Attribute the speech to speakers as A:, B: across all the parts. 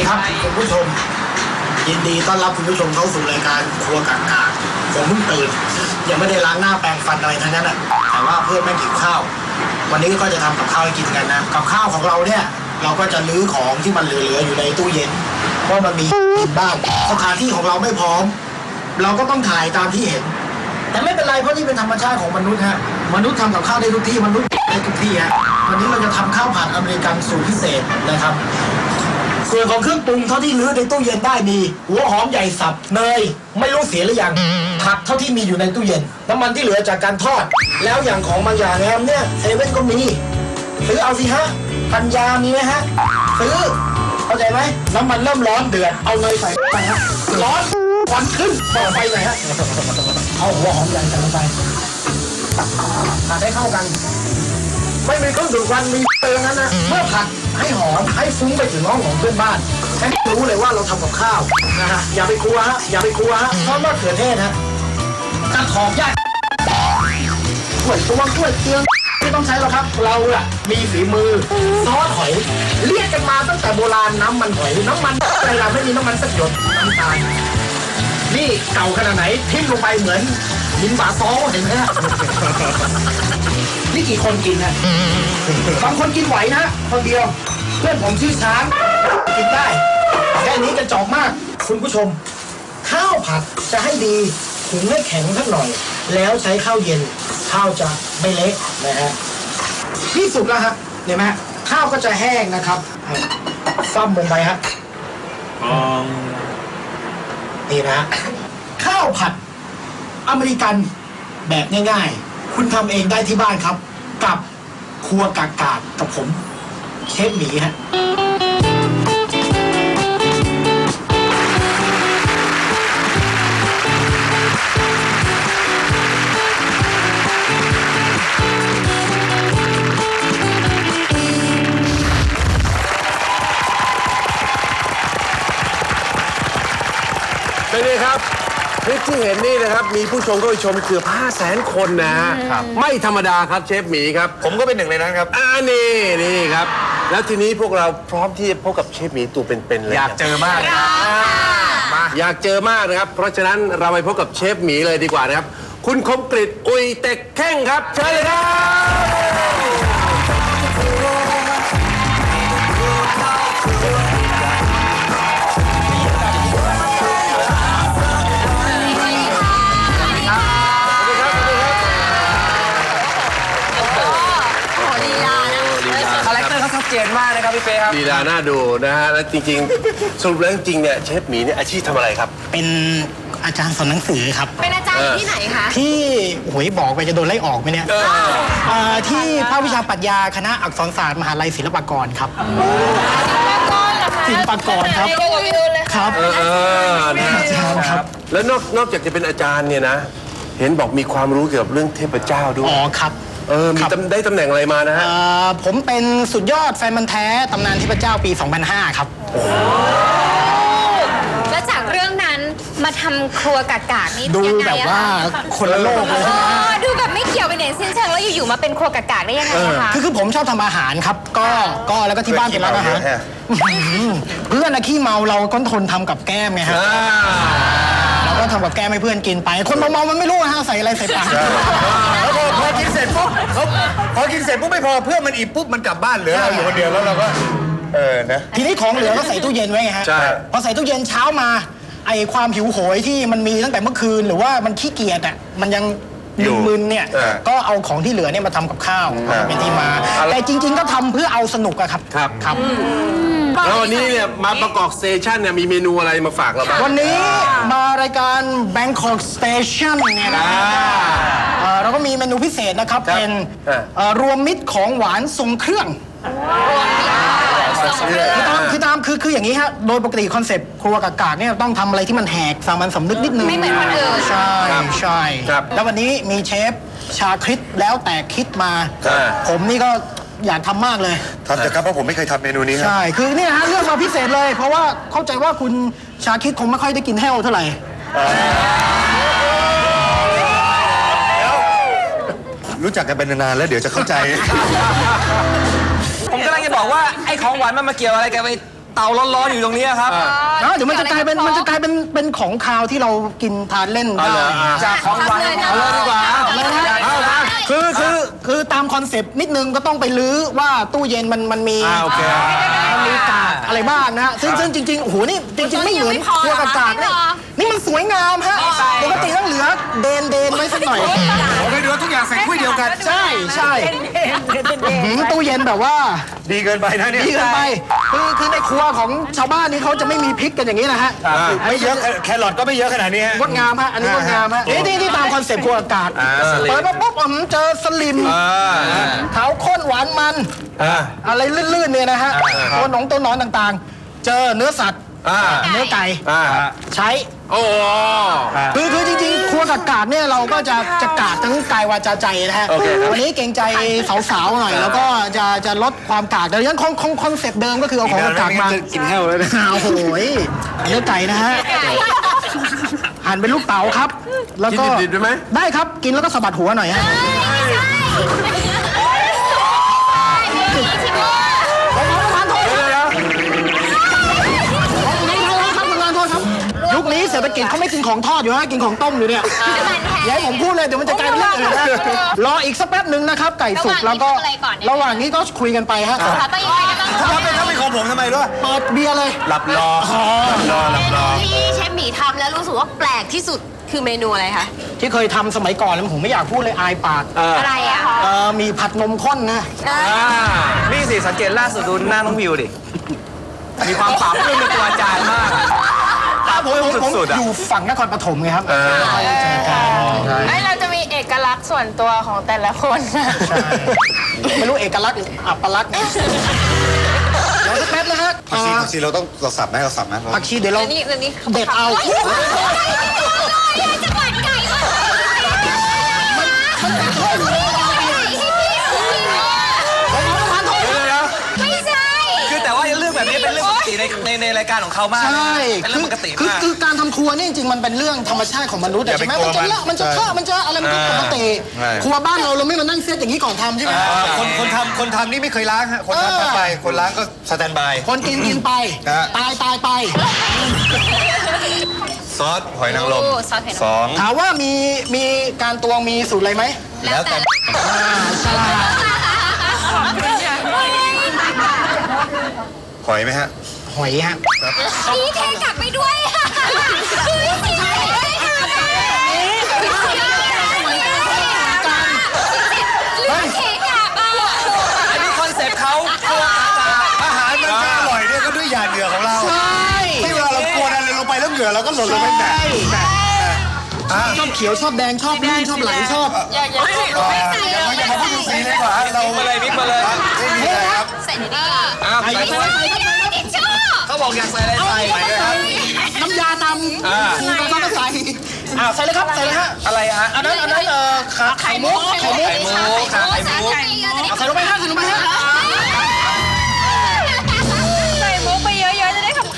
A: ครับคุณผู้ชมยินดีต้อนรับคุณผู้ชมเข้าสู่รายการครัวกากาผมเพิ่งตื่นยังไม่ได้ล้างหน้าแปรงฟันอะไรทั้งนั้นอ่ะแต่ว่าเพื่อนแม่งหิวข้าววันนี้ก็จะทำกับข้าวให้กินกันนะกับข้าวของเราเนี่ยเราก็จะลื้อของที่มันเหลือๆอยู่ในตู้เย็นเพราะมันมีกินบ้างสถานที่ของเราไม่พร้อมเราก็ต้องถ่ายตามที่เห็นแต่ไม่เป็นไรเพราะนี่เป็นธรรมชาติของมนุษย์ฮะมนุษย์ทำกับข้าวได้ทุกที่มนุษย์ได้ทุกที่ฮะวันนี้เราจะทำข้าวผัดอเมริกันสูตรพิเศษนะครับส่วนของเครื่องปรุงเท่าที่ลื้อในตู้เย็นได้มีหัวหอมใหญ่สับเนยไม่รู้เสียหรือยังผักเท่าที่มีอยู่ในตู้เย็นน้ำมันที่เหลือจากการทอดแล้วอย่างของบางอย่างแฮมเนี่ยเซเว่นก็มีซื้อเอาสิฮะปัญญามีไหมฮะซื้อเข้าใจไหมน้ำมันเริ่มร้อนเดือดเอาเนยใส่ไปฮะร้อนควันขึ้นต่อไฟหน่อยฮะเอาหัวหอมใหญ่ใส่ลงไปผัดให้เข้ากันไม่มีเครื่องดูดควันมีเตือนนั้นนะเมื่อผัดให้หอมให้ฟุ้งไปถึงห้องของเพื่อนบ้านให้รู้เลยว่าเราทำกับข้าวนะฮะอย่าไปกลัวฮะอย่าไปกลัวฮะเพราะมะเขือเทศฮะกระถอกยากถ้วยตวงถ้วยเตียงไม่ต้องใช้หรอกครับเราอะมีฝีมือซอสหอยเรียกกันมาตั้งแต่โบราณน้ำมันหอยน้ำมันอะไรล่ะไม่มีน้ำมันสักหยดน้ำตาลนี่เก่าขนาดไหนทิ้มลงไปเหมือนลิ้นบาซอเห็นไหมฮะนี่กี่คนกินฮะบางคนกินไหวนะคนเดียวเพื่อนผมชื่อช้างกินได้แค่นี้กระจอกมากคุณผู้ชมข้าวผัดจะให้ดีหุงให้แข็งสักหน่อยแล้วใช้ข้าวเย็นข้าวจะไม่เละนะฮะที่สุดแล้วฮะเห็นไหมฮะข้าวก็จะแห้งนะครับซ้ำลงไปฮะนี่นะฮะข้าวผัดอเมริกันแบบง่ายๆคุณทำเองได้ที่บ้านครับกับครัวกากากับผมเชฟหมีฮะ
B: เป็นไงครับคลิปที่เห็นนี่นะครับมีผู้ชมเข้าไปชมเกือบ500,000 คนนะฮะไม่ธรรมดาครับเชฟหมีครับผมก็เป็นหนึ่งในนั้นครับนี่ครับแล้วทีนี้พวกเราพร้อมที่จะพบกับเชฟหมีตัวเป็นๆเลย
C: อยากเจอมาก
B: อยากเจอมากนะครับเพราะฉะนั้นเราไปพบกับเชฟหมีเลยดีกว่านะครับคุณคมกฤษอุยเต็กแข้งครับเชิญเลยครับ
C: ชัดเจนมากนะครับพี่เป้ครับ
B: ลีลาน่าดูนะฮะแล้วจริงๆสรุปแล้วจริงๆเนี่ยเชฟหมีเนี่ยอาชีพทำอะไรครับ
A: เป็นอาจารย์สอนหนังสือครับ
D: เป็นอาจารย์ที่ไหนคะ
A: ที่หวยบอกไปจะโดนไล่ออกไหมเนี่ยที่ภาควิชาปรัชญาคณะอักษรศาสตร์มหาลัยศิลปากรครับศิลปากรครับครับ
B: นะครับแล้วนอกจากจะเป็นอาจารย์เนี่ยนะเห็นบอกมีความรู้เกี่ยวกับเรื่องเทพเจ้าด้วย
A: อ๋อครับ
B: มีได้ตำแหน่งอะไรมานะฮะ
A: ผมเป็นสุดยอดแฟนมันแท้ตำนานเทพเจ้าปี 2005 ครับ
D: แล้วจากเรื่องนั้นมาทำครัวกากๆนี่
A: ดู
D: ยังไง
A: แบบว่าคนละโลกเลย
D: ดูแบบไม่เกี่ยวไปไหนสิ้นเชิงแล้วอยู่ๆมาเป็นครัวกากๆได้ยังไงคะ
A: คือผมชอบทำอาหารครับก็แล้วก็ที่บ้านเป็นร้านอาหารเพื่อนอะขี้เมาเราก็ทนทำกับแก้มไงฮะเราก็ทำกับแก้มให้เพื่อนกินไปคนเมาๆมันไม่รู้ฮะใส่อะไรใส่ปาก
C: แล้วพอกินเสร็จปุ๊บพอกินเสร็จปุ๊บไม่พอเพื่อนมันอิ่มปุ๊บมันกลับบ้านเหลือเราอยู่คนเดียวแล้วเราก็นะ
A: ทีนี้ของเหลือก็ใส่ตู้เย็นไว้ไงฮะพอใส่ตู้เย็นเช้ามาไอความหิวโหยที่มันมีตั้งแต่เมื่อคืนหรือว่ามันขี้เกียจอ่ะมันยังมึนๆเนี่ยก็เอาของที่เหลือเนี่ยมาทำกับข้าวเป็นที่มาแต่จริงๆก็ทำเพื่อเอาสนุกอะครับ
B: ครับแล้ววันนี้เนี่ยมาประกอบสเตชันเนี่ยมีเมนูอะไรมาฝากเราบ้าง
A: วันนี้มารายการ Bangkok Station เนี่ยนะเราก็มีเมนูพิเศษนะครับเป็นรวมมิตรของหวานทรงเครื่องคืออย่างนี้ฮะโดยปกติคอนเซปต์ครัวกากๆเนี่ยต้องทำอะไรที่มันแหกสามัญสำนึกนิดนึง
D: ไม่เหมือนคนอื่น
A: ใช่แล้ววันนี้มีเชฟชาคริสแล้วแต่คิดมาผมนี่ก็อยากทำมากเลย
C: ทำจะครับเพราะผมไม่เคยทำเมนูนี้
A: ใช่คือเนี่ยฮะเลือกมาพิเศษเลยเพราะว่าเข้าใจว่าคุณชาคริสคงไม่ค่อยได้กินแห้วเท่าไหร่
C: รู้จักกันเป็นนานแล้วเดี๋ยวจะเข้าใจ
E: ผมกำลังจะบอกว่าไอ้ของหวานมันมาเกี่ยวอะไรกับไอ้เตาร้อนๆอยู่ตรงนี้ครับ
A: นะเดี๋ยวมันจะกลายเป็นของคาวที่เรากินทานเล่นได้
E: จากของหวาน
A: เอาเลยดีกว่าคือตามคอนเซปต์นิดนึงก็ต้องไปลื้อว่าตู้เย็นมันมี
B: โอเค
A: มันมีกากอะไรบ้างนะฮะซึ่งจริงๆโอ้โหนี่จริงๆไม่เหมือนครัวกากนี่นี่มันสวยงามฮะปกติต้องเหลือเดนไว้สักหน่อย
C: ไม่ดูทุกอย่างใส่ถ้วยเดียวกัน
A: ใช่ตู้เย็นแบบว่า
C: ดีเกินไปนะเนี่ย
A: ดีเกินไปคือในครัวของชาวบ้านนี่เขาจะไม่มีพริกกันอย่างนี้นะฮะ
C: ไม่เยอะแครอทก็ไม่เยอะขนาดนี้ฮะ
A: งดงามฮะอันนี้งดงามฮะนี่ตามคอนเซปต์ครัวอากาศเปิดมาปุ๊บเจอสลิมขาวข้นหวานมันอะไรลื่นๆเนี่ยนะฮะตัวหนอนต่างๆ เจอเนื้อสัตว์เนื้อไก่ใช้
B: โอ้
A: คือจริงๆครัวกากๆเนี่ยเราก็จะกากทั้งกายวาจาใจนะฮะวันนี้เกรงใจสาวๆหน่อยแล้วก็จะลดความกากแต่ยังคอนเซปต์เดิมก็คือเอาของกากๆมา
C: กินแห้วเลยนะ
A: โอ้โหเนื้อไก่นะฮะหั่นเป็นลูกเต๋าครับ แล้วก็
B: กินดิบๆได้ไหม
A: ได้ครับกินแล้วก็สะบัดหัวหน่อยฮะยุคนี้เศรษฐกิจเขาไม่กินของทอดอยู่ฮะกินของต้มอยู่เนี่ยอย่าให้ผมพูดเลยเดี๋ยวมันจะกลายเป็นเรื่องอื่นนะรออีกสักแป๊บหนึ่งนะครับไก่สุกแล้วก็ระหว่างนี้ก็คุยกันไปฮะ
D: ต้องยังไงกันบ้าง
C: ถ้าเป็นของผมทำไมด้วย
A: เปิดเบียร์เลย
C: หลับรอ
D: ที่เชฟหมีทำแล้วรู้สึกว่าแปลกที่สุดคือเมนูอะไรคะ
A: ที่เคยทำสมัยก่อนแล้วผมไม่อยากพูดเลยอายปาก
D: อะไรอะคะ
A: มีผัดนมข้นนะ
E: นี่สิสังเกตล่าสุดดูหน้าน้องวิวดิ มีความปราบปลื้มในตัวอาจารย์มาก
A: ผม
E: สุดๆอะ
A: อยู่ฝั่งนครปฐมไงครับ
F: เราจะมีเอกลักษณ์ส่วนตัวของแต่ละคน
A: ไม่รู้เอกลักษณ์หรืออัปลักษณ์เนี่ยเดี๋ยวสักแป๊บนะฮะ
C: ผักชีเราต้องสับไหมเราสับไหม
A: ผักชีเดี๋ยวเรา
F: นี่นี่
A: เด็ดเอา
D: จะหวานไก่มากไม่ใช่
E: คือแต่ว่าเรื่องแบบนี้เป็นเรื่องปกติในรายการของเขามาก
A: ใช่
E: เป็นเรื่องปกติมาก
A: คือการทำครัวนี่จริงๆมันเป็นเรื่องธรรมชาติของมนุษย์อะใช่ไหมมันจะเลอะมันจะเคอะมันจะอะไรมันก็ปกติครัวบ้านเราไม่มานั่งเซตอย่างนี้ก่อนทำใช่ไหม
C: คนทำนี่ไม่เคยล้างฮะคนทำไปคนล้างก็สแตนบาย
A: คนกินไปตายไป
C: ซอสหอยนางรม
D: ซอสเผ็ด
C: 2
A: ถามว่ามีการตวงมีสูตรอะไรไหม
D: แล้วแต่
A: ใช่
C: หอยไหมฮะ
A: หอยฮะ
D: นี่เทกลับไปด้วยค่ะนี่เทกลับไปเทกลับอ่ะ
E: อันนี้คอนเซ็ปต์เขา
C: อาหารมันจะอร่อยเนี่ยก็ด้วยหยาดเหงื่อของเรา
A: ใช่
C: ที่เวลาเรากวนอะไรลงไปแล้วเหงื่อเราก็หล่นลงไปแตะ
A: ชอบเขียวชอบแดงชอบลื่นชอบไหลชอบ
F: อย่า
C: อย่ามาพูดถึงสีเลยดีกว่าเรา
E: มาเลยมิกมาเลย
C: ไม่มีอะไรครับ
D: ใส่ในนี้
E: อ้าวใส่
D: ทิชชู่
E: เขาบอกอยากใส่อะไรใส่
A: น้ำยาตำต้องใส่ใส่เลยครับใส่เลยฮะ
E: อะไรฮะ
A: อันนั้นไข่มุก
E: ไข่มุกค่ะไข่มุก
A: ใส่ลงไปฮะใส่ลงไปฮะ
F: ใส่มุกไปเยอะๆจะได้ขำ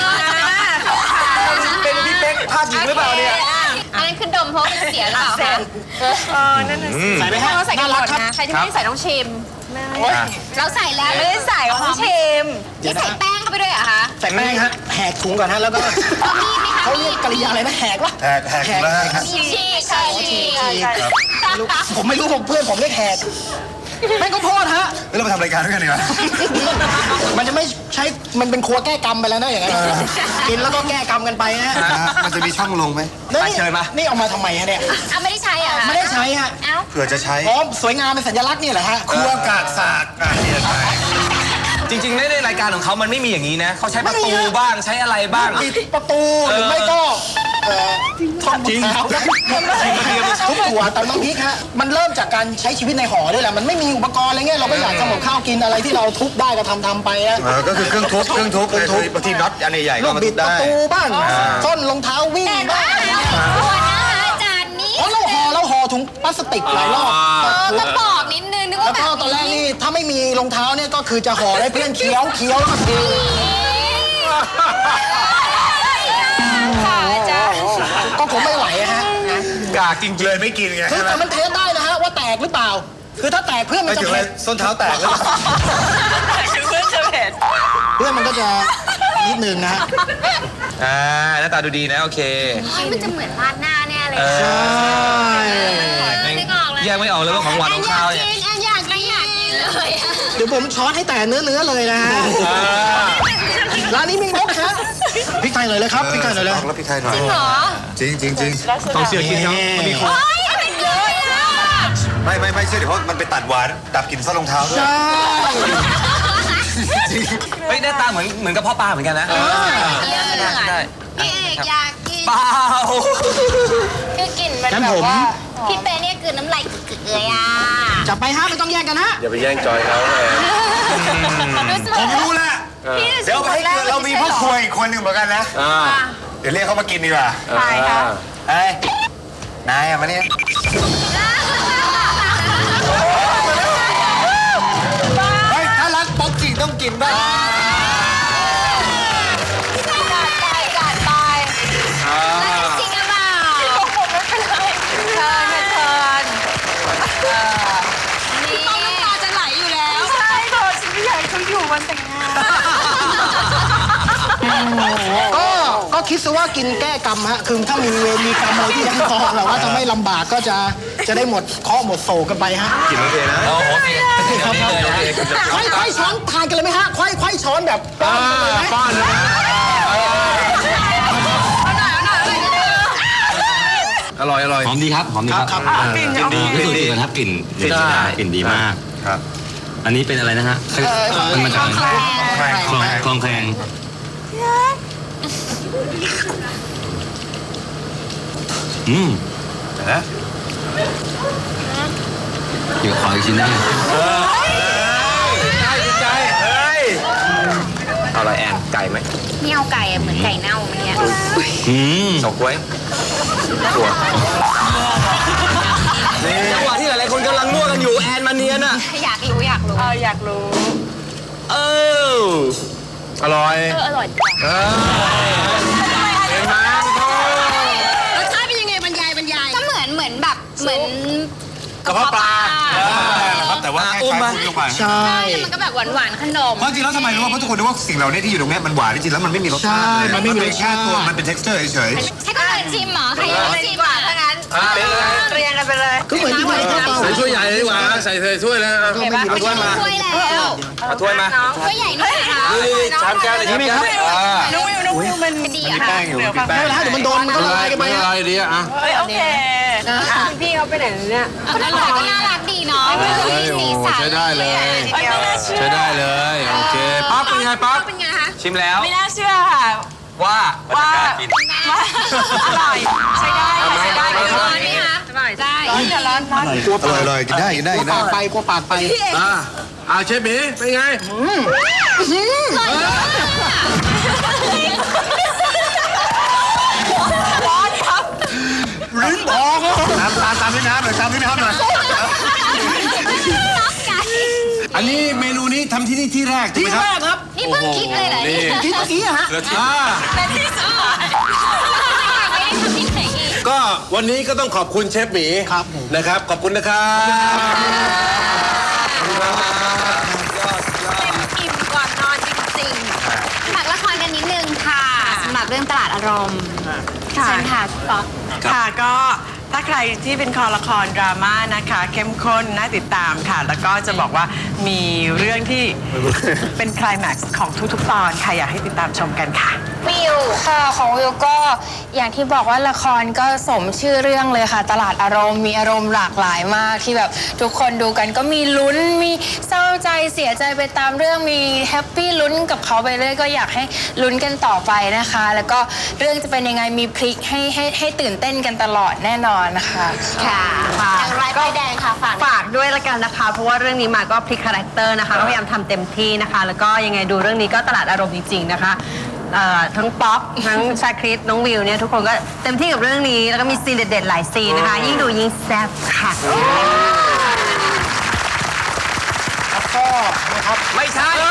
F: ๆ
E: เป็นพี่เป๊กภาคหญิงหรือเปล่าเนี่ย
D: อันนั้นคือดมเพราะมันเสียหรือเปล่าคะ
F: นั่นน่ะสิ
A: ใส่ไหมฮะ
F: เราใส่กัน
A: น่า
F: หม
A: รัก
F: ด
A: ครับ
F: นะ ใครที่ไม่ได้ใส่ต้องชิม
D: เราใส่แล้ว
F: ไม่ได้ใส่ต้องชิม
D: นี่ใส่แป้งเข้าไปด้วยเหรอคะ
A: ใส่แป้งฮะแหกถุงก่อนฮะแล้วก็
D: เอามีดไหมคะ
A: เขาเรียกกริยาอะไรนะแหกวะ
C: แหกแล้วฮะ
D: ฉีกฉีก
A: ผมไม่รู้ผมเพื่อนผมเรียกแหกแม่งก็โพดฮะ
C: เรามาทำรายการด้วยกันดีกว่า
A: มันจะไม่ใช้มันเป็นครัวแก้กรรมไปแล้วนะอย่างนั้นกินแล้วก็แก้กรรมกันไปฮะ
C: มันจะมีช่องลงไหม
A: นี่เอามาทำไมฮะเนี่ย
D: เอาไม่ได้ใช้เหรอคะ
A: ไม่ได้ใช้ฮะ
D: เอ้า
C: เผื่อจะใช้
A: อ๋อสวยงามเป็นสัญลักษณ์นี่แหละฮะ
C: ครัวกากศาสตร์นี่ใช่
E: จริงๆในรายการของเขามันไม่มีอย่างนี้นะเขาใช้ประตูบ้างใช้อะไรบ้าง
A: ปิดประตูหรือไม่ก็ท่อนจริงทุบหัวตำน้ำพริกฮะมันเริ่มจากการใช้ชีวิตในหอด้วยแหละมันไม่มีอุปกรณ์อะไรเงี้ยเราก็อยากทำกับข้าวกินอะไรที่เราทุบได้ก็ทำไปนะ
C: ก็คือเครื่องทุบบางทีน็อตอันใหญ่ๆ
A: ลู
C: ก็
A: ก
C: มา
A: บิ
C: ทุ
A: ด
C: บ
A: ประ
C: ได้
A: ตูบ้างส้นรองเท้าวิ่ง
D: แต่
A: บ้า
D: ว่าง ควรนะคะอาจารย์นี้
A: อ๋อเราห่อถุงพลาสติกหลายรอบ
D: ก็บอกนิดนึงนึก
A: แล้
D: ว่าว แบ
A: ก็
D: บ
A: ตอนแรกนี่ถ้าไม่มีรองเท้าเนี่ยก็คือจะห่อให้เพื่อนเคี้ยวแล้วก็ทิ้ง
F: ค่ะอาจารย์
A: ก็คงไม่ไหวฮะ
E: กากจริง
C: เลยไม่กินไง
A: คือแต่มันเทสได้นะฮะว่าแตกหรือเปล่า คือถ้าแตกเพื่อนมัน
C: ไม่
A: จะ
C: ถึงเล
A: เผ็
C: ย
A: ด
C: ส้นเท้าแตกแล้ว
F: คือเพื่อนจะเผ็ด
A: เพื่อนมันก็จะหนึ่งนะฮะ
E: หน้าตาดูดีนะโอเค
D: มันจะเหมือนราดหน้าแน่เลย
A: ใช่
D: นึกออกเลย
E: แยกไม่ออกเลยว่าของหวานของข้าวเนี่ย
D: แอนอยากกินเลยอะ
A: เดี๋ยวผมช้อนให้แต่เนื้อเลยนะฮะร้านนี้มีงบฮะพริกไทยหน่อยเลยครับพริกไทยหน่อยเลย
C: ลองแล้วพี่ไทยหน่อย
D: จริงเหรอ
C: จริงจริงจริง
E: ต้องเชื่อกินเขามีคน
D: เฮ้ยเป็นเลยอะ
C: ไม่เชื่อเดี๋ยวเพราะมันไปตัดหวานดับกลิ่นส้นรองเท้าด้วย
A: ใช่
E: เฮ้ยหน้าตาเหมือนกระเพาะปลาเหมือนกันนะ ได้
D: พี่เอกอยากกิน
E: เปล่า
D: คือกลิ่นมันแบบว่าพี่เป้เนี่ยกลืนน้ำลายกึกๆเลยอ่ะ
A: จับไปฮะไม่ต้องแย่งกันฮะ
B: อย่าไปแย่งจอยเขาแหม
C: ผมรู้แล้วเดี๋ยวไปให้เรามีพ่อครัวอีกคนหนึ่งเหมือนกันนะ เดี๋ยวเรียกเขามากินดีกว่า
B: ใช่ค่ะ
C: เฮ้ยนายอะมาเนี่ยเฮ้ยถ้ารักป๊อกกิ่งต้องกินบ้าง
F: จัดไป
D: จริงหรือเปล่า
F: เชิญนะเชิญ
D: นี่ต้องน้ำตาจะไหลอยู่แล้ว
F: ใช่ค่ะฉันไม่อยากให้เขาอยู่วันแต่งงาน
A: ก็คิดซะว่ากินแก้กรรมฮะคือถ้ามีเวรมีกรรมอะไรที่ยังคอแบบว่าจะไม่ลำบากก็จะได้หมดเคราะห์หมดโศกกันไปฮะ
E: กินโอเคนะโอเค
A: ครับ ไขว้ช้อนทานกันเลยไหมฮะไขว้ช้อนแบบป้อนกันเลยไหม
B: ป้อนเลยนะอร่อย
G: หอมดีครับ หอมดีครับ
F: กลิ่น
G: กลิ่นดีที่สุดนะครับกลิ่นกลิ่นกลิ่นดีมาก
C: ครับ
G: อันนี้เป็นอะไรนะฮะมันมาจากอะไรคลองแคลงเดี๋ยวขออีกชิ้นได้ไหม
B: ใจเฮ้ย
E: เอาอะไรแอนไก่ไหม
D: นี่เอาไก่อะเหมือนไก่เน่าเมื่อกี้
E: สองกล้วยถั่วจังหวะที่หลายๆคนกำลังมั่วกันอยู่แอนมาเนียนอ่ะ
D: อยากรู้
F: อยากรู้
B: อร่อย
D: อร่อย
B: เห็นไหม
D: รสชาติเป็นยังไงบรรยายก็เหมือนแบบเหมือน
C: กระเพาะปลาครับแต่ว่าแค่
E: อุ้ม
C: ใช้
E: มา
C: ลงไป
A: ใช่
D: แล้วมันก็แบบหวานๆขนม
C: เพราะจริงแล้วทำไมรู้ว่าเพราะทุกคนรู้ว่าสิ่งเหล่านี้ที่อยู่ตรงนี้มันหวานจริงๆแล้วมันไม่มีรสชาติเลย
A: ใช่มันไม่มีรสชาติ
C: นเป็นแค่ตัวมันเป็น texture เฉย
D: ให้คนอื่นชิมเหรอใครยังไม่ชิมอ่ะถ้างั้น
F: เรียงกันไปเลย
A: ก็เหมือนที่ไทยทั่วไป
B: ใส่ถ้วยใหญ่เลยดีกว่าใส่ถ้วยแล้ว
E: เอาถ้วยมา
D: ถ้วยแล้ว
E: เอาถ้วยมา
D: ถ้วยใหญ่หน่อยนะคะ
E: นี่ชามแก้วเลยชามแก้ว
F: น้องวิวมัน
D: ดี
C: ๆ
D: อะ
C: มี
D: ค่ะ
C: แป้งอยู่มีแป้
A: ไม่
C: ง
A: เป็นไรเดี๋ยวมันโดนมันก็ละลายกันไป
B: ไม่
A: ฮะ
B: อะไรดีอ่ะ
F: โอเคพี่เขาไปไหนเนี่ย
D: คนอร่อยก็น่ารักดีเนาะมีสีสัน
B: ใช้ได้เลย
F: ไม่น่าเชื่อ
B: ใช้ได้เลย โอเค ปั๊บเป็นไงปั๊บ
D: เป็นไงคะ
E: ชิมแล้ว
F: ไม่น่าเชื่อค่ะ
E: ว่า
F: ว่า
E: จะกล้ากิน
F: อร่อยใช้ได้ค่ะใช้ได้
D: ร้อนไหมคะอร่อยได้
F: ร้อน
C: อร่อยๆกินได้กินได้
A: กลั
C: กิ
A: วน
C: ได้
A: ปากไปกลัวปากไป
B: เอาเชฟหมีเป็นไง
F: ร้อนครับ
C: ลิ้นพองตามด้วยน้ำหน่อยตามด้วยน้ำหน่อย
B: อันนี้เมนูนี้ทำที่นี่ที่แรกใช่
A: ที่
B: ไหมค
A: แร
B: รับ
A: กครับ
D: นี่เพิ่งคิดเลยเหรอเนี่ย
A: ที่เมื่อกี้อะฮะ
F: และที่สุด
D: ไม่ได้ทำที่ไหนอีก
B: ก็วันนี้ก็ต้องขอบคุณเชฟหมี
A: ครับผม
B: นะครับ ขอบคุณนะครับ
F: อิ่มก่อนนอนจริง
D: ฝากละครกันนิดนึงค่ะสำหรับเรื่องตลาดอารมณ์เชิญค่ะป๊อก
H: ค่ะก็ถ้าใครที่เป็นคอละครดราม่านะคะ เข้มข้นน่าติดตามค่ะ แล้วก็จะบอกว่ามีเรื่องที่เป็นไคลแม็กซ์ของทุกๆตอนค่ะอยากให้ติดตามชมกันค่ะ
I: วิวค่ะของวิวก็อย่างที่บอกว่าละครก็สมชื่อเรื่องเลยค่ะ ตลาดอารมณ์มีอารมณ์หลากหลายมากที่แบบทุกคนดูกันก็มีลุ้นมีเศร้าใจเสียใจไปตามเรื่องมีแฮปปี้ลุ้นกับเขาไปเรื่อยก็อยากให้ลุ้นกันต่อไปนะคะ แล้วก็เรื่องจะเป็นยังไงมีพลิกให้ตื่นเต้นกันตลอดแน่นอนนะคะ
D: ค่ะอย่างไรป้ายแดงค่ะฝาก
J: ฝากด้วยละกันนะคะ เพราะว่าเรื่องนี้มาก็พลิกคาแรคเตอร์นะคะก็พยายามทำเต็มที่นะคะ แล้วก็ยังไงดูเรื่องนี้ก็ตลาดอารมณ์จริงๆนะคะทั้งป๊อปทั้งชาคริสน้องวิวเนี่ยทุกคนก็เต็มที่กับเรื่องนี้แล้วก็มีซีนเด็ดๆหลายซีนนะคะ ยิ่งดูยิ่งแซ่บค่ะ
A: แล้วก็นะครับ
E: ไม่ใช่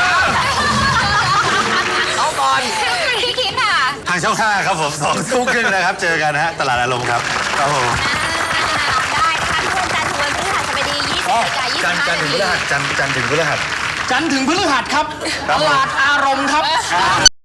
E: เอาก่อน
D: พี่คิดค่ะ
C: ทางช่อง5ครับผม2 ทุ่มครึ่งนะครับ เจอกันนะฮะตลาดอารมณ์ครับครับผม
D: ได้นะคะทุกวันจันทร์ถึงวันพฤหัสบดี20:25
C: จันทร์ถึงพฤหัสจันทร์ถึงพฤหัส
A: จันทร์ถึงพฤหัสครับ ตลาดอารมณ์ครับ